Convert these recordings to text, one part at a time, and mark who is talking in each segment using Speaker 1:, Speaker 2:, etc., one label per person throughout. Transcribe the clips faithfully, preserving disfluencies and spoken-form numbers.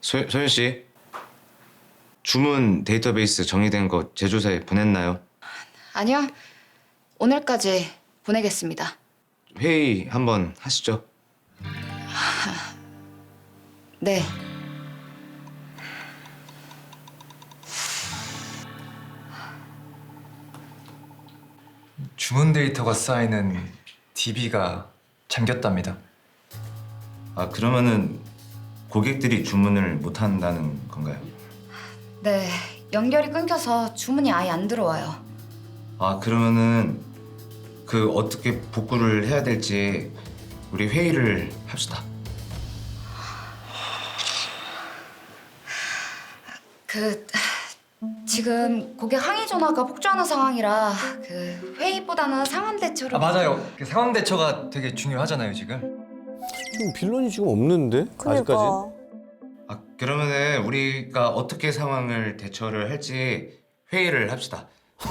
Speaker 1: 소, 소연 씨, 주문 데이터베이스 정리된 거 제조사에 보냈나요?
Speaker 2: 아니요. 오늘까지 보내겠습니다.
Speaker 1: 회의 한번 하시죠.
Speaker 2: 네.
Speaker 3: 주문 데이터가 쌓이는 디비가 잠겼답니다.
Speaker 1: 아, 그러면은 고객들이 주문을 못 한다는 건가요?
Speaker 2: 네. 연결이 끊겨서 주문이 아예 안 들어와요.
Speaker 1: 아, 그러면은 그 어떻게 복구를 해야 될지 우리 회의를 합시다.
Speaker 2: 그 지금 고객 항의 전화가 폭주하는 상황이라 그 회의보다는 상황 대처로.
Speaker 3: 아 맞아요. 그 상황 대처가 되게 중요하잖아요 지금.
Speaker 4: 지금 빌런이 지금 없는데 아직까지.
Speaker 5: 그러니까.
Speaker 1: 아, 그러면은 우리가 어떻게 상황을 대처를 할지 회의를 합시다.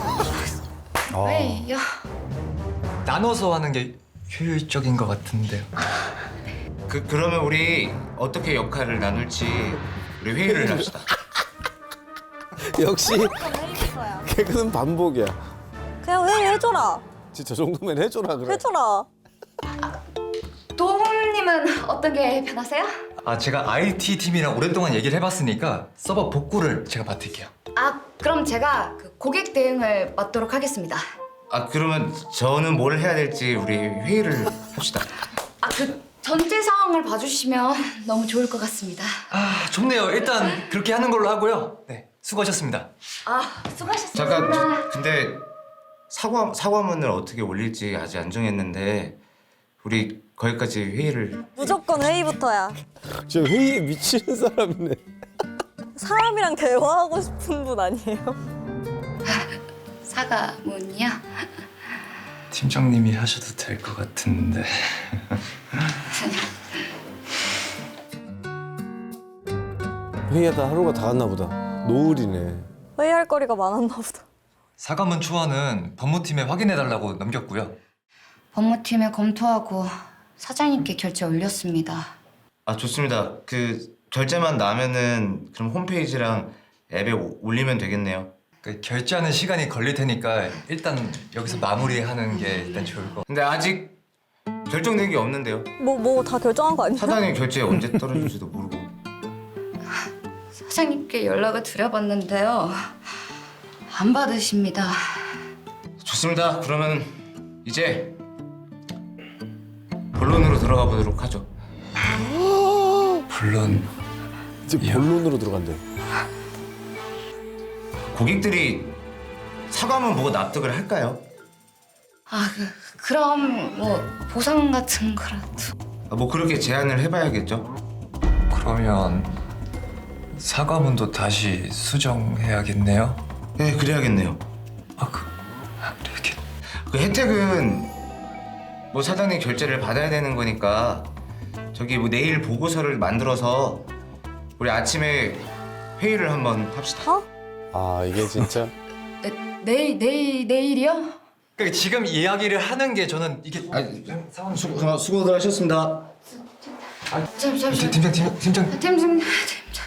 Speaker 2: 회의요.
Speaker 3: 나눠서 하는 게 효율적인 것 같은데요.
Speaker 1: 그 그러면 우리 어떻게 역할을 나눌지 우리 회의를 합시다.
Speaker 4: 역시 개그는 반복이야.
Speaker 5: 그냥 회의 해줘라.
Speaker 4: 진짜 저 정도면 해줘라 그래.
Speaker 5: 해줘라.
Speaker 2: 도훈님은 어떤 게 편하세요?
Speaker 3: 아 제가 아이티 팀이랑 오랫동안 얘기를 해봤으니까 서버 복구를 제가 맡을게요.
Speaker 2: 아 그럼 제가 그 고객 대응을 맡도록 하겠습니다.
Speaker 1: 아, 그러면 저는 뭘 해야 될지 우리 회의를 합시다.
Speaker 2: 아 그 전체 상황을 봐주시면 너무 좋을 것 같습니다.
Speaker 3: 아 좋네요. 일단 그렇게 하는 걸로 하고요. 네 수고하셨습니다.
Speaker 2: 아 수고하셨습니다.
Speaker 1: 잠깐, 근데 사과 사과문을 어떻게 올릴지 아직 안 정했는데 우리 거기까지 회의를.
Speaker 5: 무조건 회의부터야.
Speaker 4: 저 회의에 미치는 사람이네.
Speaker 5: 사람이랑 대화하고 싶은 분 아니에요?
Speaker 2: 사과문이요?
Speaker 3: 팀장님이 하셔도 될 것 같은데.
Speaker 4: 회의하다 하루가 다 갔나 보다. 노을이네.
Speaker 5: 회의할 거리가 많았나 보다.
Speaker 3: 사과문 초안은 법무팀에 확인해달라고 넘겼고요.
Speaker 2: 법무팀에 검토하고 사장님께 결제 올렸습니다.
Speaker 1: 아, 좋습니다. 그 결제만 나면은 그럼 홈페이지랑 앱에 오- 올리면 되겠네요.
Speaker 3: 그 결제하는 시간이 걸릴 테니까 일단 여기서 마무리하는 게 일단 좋을 것.
Speaker 1: 근데 아직 결정된 게 없는데요.
Speaker 5: 뭐 뭐 다 결정한 거 아니야?
Speaker 1: 사장님 결제 언제 떨어질지도 모르고.
Speaker 2: 사장님께 연락을 드려봤는데요. 안 받으십니다.
Speaker 1: 좋습니다. 그러면 이제 본론으로 들어가 보도록 하죠.
Speaker 3: 물론
Speaker 4: 이제 본론으로 들어간대.
Speaker 1: 고객들이 사과문 보고 납득을 할까요?
Speaker 2: 아, 그, 그럼 뭐 보상 같은 거라도.
Speaker 1: 아, 뭐 그렇게 제안을 해봐야겠죠.
Speaker 3: 그러면 사과문도 다시 수정해야겠네요.
Speaker 1: 네, 그래야겠네요.
Speaker 3: 아 그, 이렇게
Speaker 1: 그 혜택은 뭐 사장님 결제를 받아야 되는 거니까 저기 뭐 내일 보고서를 만들어서 우리 아침에 회의를 한번 합시다.
Speaker 5: 어?
Speaker 4: 아 이게 진짜.
Speaker 2: 네, 내일 내일 내일이요?
Speaker 3: 그러니까 지금 이야기를 하는 게 저는 이게
Speaker 1: 상황 수고, 수고들 하셨습니다.
Speaker 2: 잠시만.
Speaker 3: 팀- 팀장 팀장 팀장
Speaker 2: 팀장 팀장.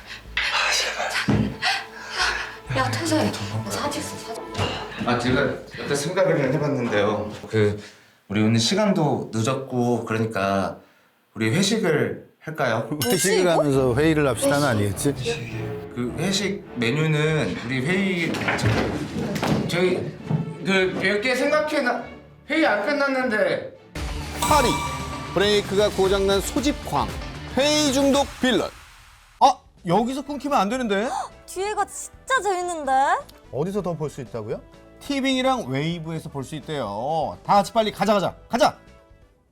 Speaker 2: 야 퇴사해. 사직서 사직.
Speaker 1: 아, 제가 일단 생각을 해봤는데요. 그 우리 오늘 시간도 늦었고 그러니까 우리 회식을 할까요?
Speaker 4: 회식을 하면서 회의를 합시다는 아니겠지?
Speaker 1: 그 회식 메뉴는 우리 회의 저, 저희 그 몇 개 생각해나 회의 안 끝났는데.
Speaker 4: 파리 브레이크가 고장난 소집광 회의 중독 빌런.
Speaker 6: 아, 여기서 끊기면 안 되는데?
Speaker 5: 뒤에가 진짜 재밌는데?
Speaker 6: 어디서 더 볼 수 있다고요? 티빙이랑 웨이브에서 볼 수 있대요. 다 같이 빨리 가자 가자 가자.